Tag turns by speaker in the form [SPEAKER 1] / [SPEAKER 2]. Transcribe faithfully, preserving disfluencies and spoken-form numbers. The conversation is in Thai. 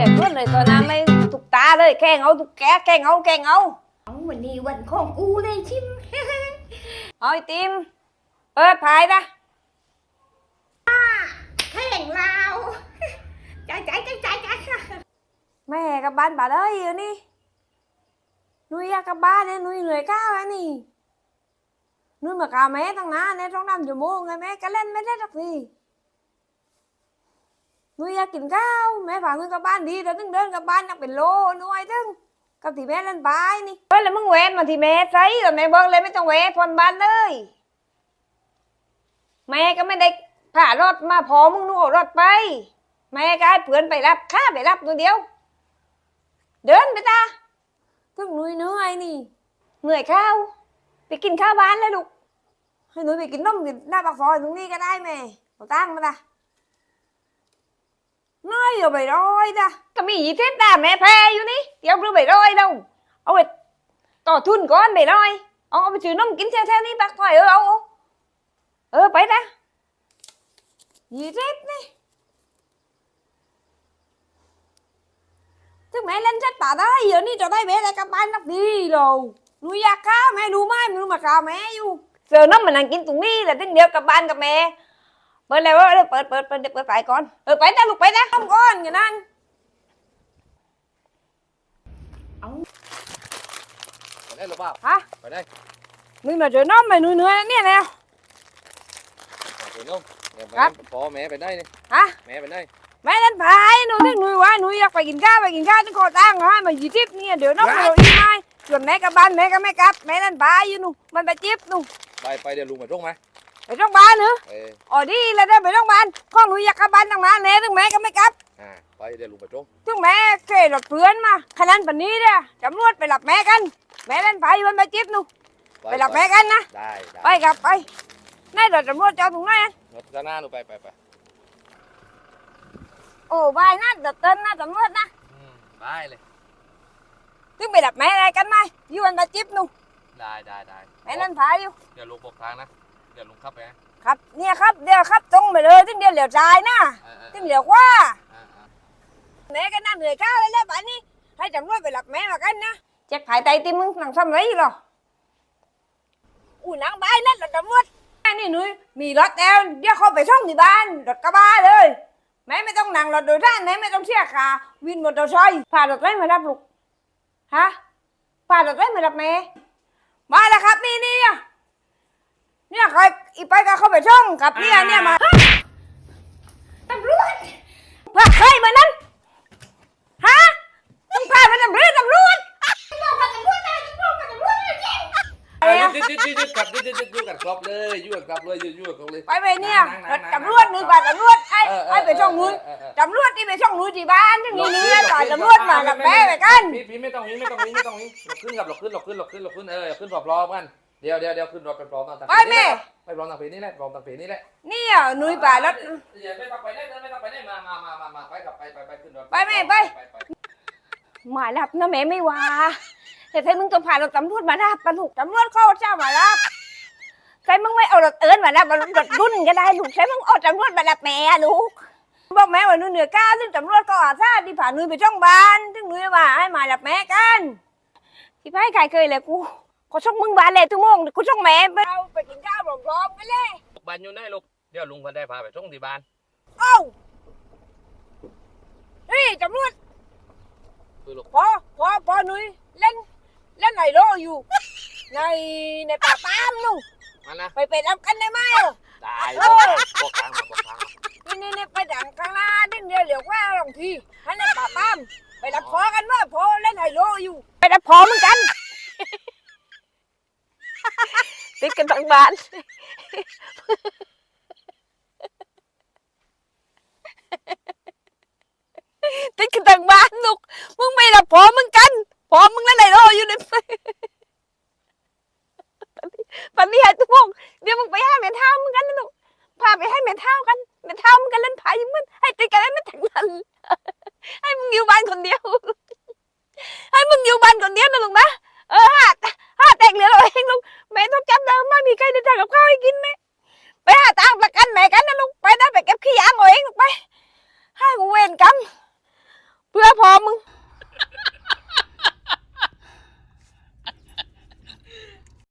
[SPEAKER 1] กเพื่อนเลยตอนนั้นไม่ถูกตาเลยแกงเอาถูกแกแกงเอาแกงเอา
[SPEAKER 2] เอาวันนี้วันของกูได้ชิม
[SPEAKER 1] เอาไอติมเปิดพายนะ
[SPEAKER 2] แข่งลาวใจใจใจใจใจ
[SPEAKER 1] แม่กับบ้านbà ơi rồi đi nuôi raกับบ้านเนี่ยnuôi người cao ấy nì nuôi mà cào mẹ thằng ná này trong năm giờ mua ngày mẹ cả lên mấy rất gì nuôi raกินข้าวแม่ฝากเงินกับบ้านดีแต่ถึงเดินกับบ้านยังเป็นโลนุ้ยถึงกับที่แม่เล่นบายนี่เฮ้ยแล้วมึงแหวนมาที่แม่ใส่แล้วแม่บอกเลยไม่ต้องแหวนผ่อนบ้านเลยแม่ก็ไม่ได้ผ่ารถมาพอมึงนู่นรถไปแม่ก็ให้เพื่อนไปรับข้าไปรับตัวเดียวเดินไปตาถึงนุ้ยเหนื่อยนี่เหนื่อยข้าวไปกินข้าวบ้านเลยลูกให้นุ้ยไปกินนมกินหน้าปากซอยตรงนี้ก็ได้แม่เอาตั้งมาตาน้อยrồi bày đôi ta cái mì gì thế ta mẹ phê vô ní ông đưa bày đôi đâu ông ơi tỏ thun có anh bày đôi ông ông chữ nó kín theo theo ní bác hỏi ơ ông ơ bấy ta gì thế này chứ mẹ lên sách bà đó giờ ní cho tay bé ra các bạn nó đi rồi nuôi ra cá mẹ đu mai mà mà cào mẹ vô giờ nó mình ăn kín tụi ní là tiếng điều các bạn các mẹเปิดแล้วเปิดเปิดเปิดเปิดไปก่อนเออไปนะลูกไปนะต้องก่อนอย่างนั้น
[SPEAKER 3] เอาไปได้หรือเปล่า
[SPEAKER 1] ฮะ
[SPEAKER 3] ไปได้
[SPEAKER 1] นึกหน่อยเจอน้องไปหนุ่ยเนื้อเนี่ยแล้ว
[SPEAKER 3] ไปน้อง
[SPEAKER 1] ครับ
[SPEAKER 3] พอแม่ไปได้นี่
[SPEAKER 1] ฮะ
[SPEAKER 3] แม่ไปได้
[SPEAKER 1] แม่เล่นพายหนูนึกหนุ่ยว่าหนุ่ยอยากไปกินข้าวไปกินข้าวต้องขอตั้งให้มาหยิบจิ๊บเนี่ยเดี๋ยวน้องเราอีไม่ส่วนแม่กับบ้านแม่ก็ไม่กลับแม่เล่นพายอยู่หนูมันไปจิ๊บหนู
[SPEAKER 3] ไปไปเดี๋ยวลุงมาตรงไหม
[SPEAKER 1] ไปโรงพยาบาลเหรออ๋อดีแล้วได้ไปโรงพยาบาลข้องหนูอยากกลับบ้านตั้งนานแน่ถึงแม่ก็ไม่กลับ
[SPEAKER 3] อ่าไปเดี๋ยวลุงมาตรง
[SPEAKER 1] ถึงแม่เคยหลดเพื่อนมาขนาดปันนี้เนี่ยตำรวจไปหลับแม่กันแม่เล่นไฟมันไปจิ๊บหนูไปหลับแม่กันนะ
[SPEAKER 3] ได้
[SPEAKER 1] ไปกลับไปนี่เราตำรวจจะถึงไหน
[SPEAKER 3] รถด้านหน้าหนูไปไปไป
[SPEAKER 1] โอ้บายนะเด็ดเต้นนะตำรวจนะ
[SPEAKER 3] ไปเลย
[SPEAKER 1] ถึงไปหลับแม่อะไรกันไหมอยู่มันไปจิ๊บหนู
[SPEAKER 3] ได้ได้ได้
[SPEAKER 1] แม่เล่นไฟอยู่
[SPEAKER 3] เดี๋ยวลุงบอกทางนะเดี๋ยวลุงขับไป
[SPEAKER 1] ครับเนี่ยครับเดี๋ยวครับตรงไปเลยถึงเดี๋ยวเหลียวซ้ายนะถึงเหลียวขวาแม่ก็นั่งเหนื่อยข้าวเลยแล้วป่านนี้ให้ตำรวจไปหลับแม่มากันนะเจ็บหายใจตีมึงหนังซ้ำไรอยู่หรออู้หนังใบนั่นรถตำรวจนี่หนุ่ยมีรถแล้วเดี๋ยวเขาไปช่องที่บ้านรถกระบะเลยแม่ไม่ต้องนั่งรถโดยสารแม่ไม่ต้องเสียค่าวินมอเตอร์ไซค์พารถไรมารับลูกฮะพารถไรมารับแม่มาแล้วครับนี่นี่เนี่ยใครอีไปก็เข้าไปช่องกับเนี่ยเนี่ยมา
[SPEAKER 2] ตำรวจ
[SPEAKER 1] พาใครมานั้นฮะต้องพาไปตำรวจตำรวจ
[SPEAKER 2] บอกกับตำรวจนะบอกกับตำรวจนะเจ๊
[SPEAKER 3] ยืดยืดยืดยืดกับยืดยืดยืดกับครบเลยยืดกับเลยยืดยืดกับเลย
[SPEAKER 1] ไปไปเนี่ยตำรวจนึกว่าตำรวจไอ้ไอ้ไปช่องนู้นตำรวจที่ไปช่องนู้นที่บ้านที่นี่เนื้อต่อยตำรวจมากับแม่ไปกัน
[SPEAKER 3] พี่พี่ไม่ต้องนี้ไม่ต้องนี้ไม่ต้องนี้หลบขึ้นกับหลบขึ้นหลบขึ้นหลบขึ้นหลบขึ้นเออขึ้นพร้อมกันเดี๋ยวเดี๋ยวเดี๋ยวขึ้นรถไปพร้อมต่าง
[SPEAKER 1] ไปแม่
[SPEAKER 3] ไปพร้อมต่างเพนี่แหละพร้อมต่างเพนี่แหละ
[SPEAKER 1] นี่อ่ะนุ้ยป่ารถ
[SPEAKER 3] อย่าไม่ต้องไปได้ไม่ต้องไปได้มามามามามาไปกับไปไปไปขึ้นรถ
[SPEAKER 1] ไปแม่ไปหมายรับนะแม่ไม่ว่าแต่ใช่มึงต้องผ่านรถตำรวจมารับปลุกตำรวจเข้าเจ้ามารับใช่มึงไม่เอารถเอิญมารับรถรุ่นก็ได้ลูกใช่มึงเอาตำรวจมารับแม่ลูกบอกแม่ว่านุ้ยเหนือก้าซึ่งตำรวจก็อาซาที่ผ่านนุ้ยไปช่องบ้านซึ่งนุ้ยว่าให้มารับแม่กันที่พ่ายใครเคยเลยกูก็ช่องมึงบ้านเลยทุกโมงกูช่องแม่ไปเอาไปกินข้าวพร้อมๆกันเลย
[SPEAKER 3] บ้านอยู่ไหนลูกเดี๋ยวลุงพันได้พาไปช่องที่บ้าน
[SPEAKER 1] เอ้านี่ตำรวจพอพอพอนุ้ยเล่นเล่นไหนโลอยู่ในในป่าปามนู่
[SPEAKER 3] มันนะ
[SPEAKER 1] ไปไปรับกันได้ไหม
[SPEAKER 3] ได้บอกทางมาบอกทาง
[SPEAKER 1] นี่นี่นี่ไปดังข้างหน้าดิ้นเดียวเหลียวว่าลงทีให้ในป่าปามไปรับพอกันว่าพอเล่นไหนโลอยู่ไปรับพอเหมือนกันติดกันทั้งบ้านติดกันทั้งบ้านลูกมึงไม่รับพอเหมือนกันพอมึงเล่นไหนโลอยู่ในปันนี้ให้ทุกคนเดี๋ยวมึงไปให้แม่เท้ามึงกันนะลูกพาไปให้แม่เท้ากันแม่เท้ามึงกันเล่นไพ่มึงให้ติดกันให้มันถึงนั้นให้มึงอยู่บ้านคนเดียวให้มึงอยู่บ้านคนเดียวนะลูกนะเออห้าห้าแตกเหลือเราเองลูกแม่ต้องจำเดิมไม่มีใครได้ทำกับข้าวให้กินแม่ไปหาตังค์ประกันแม่กันนะลูกไปนะไปเก็บขี้ยางเอาเองลูกไปให้กูเวรกรรมเพื่อพพ่อมึง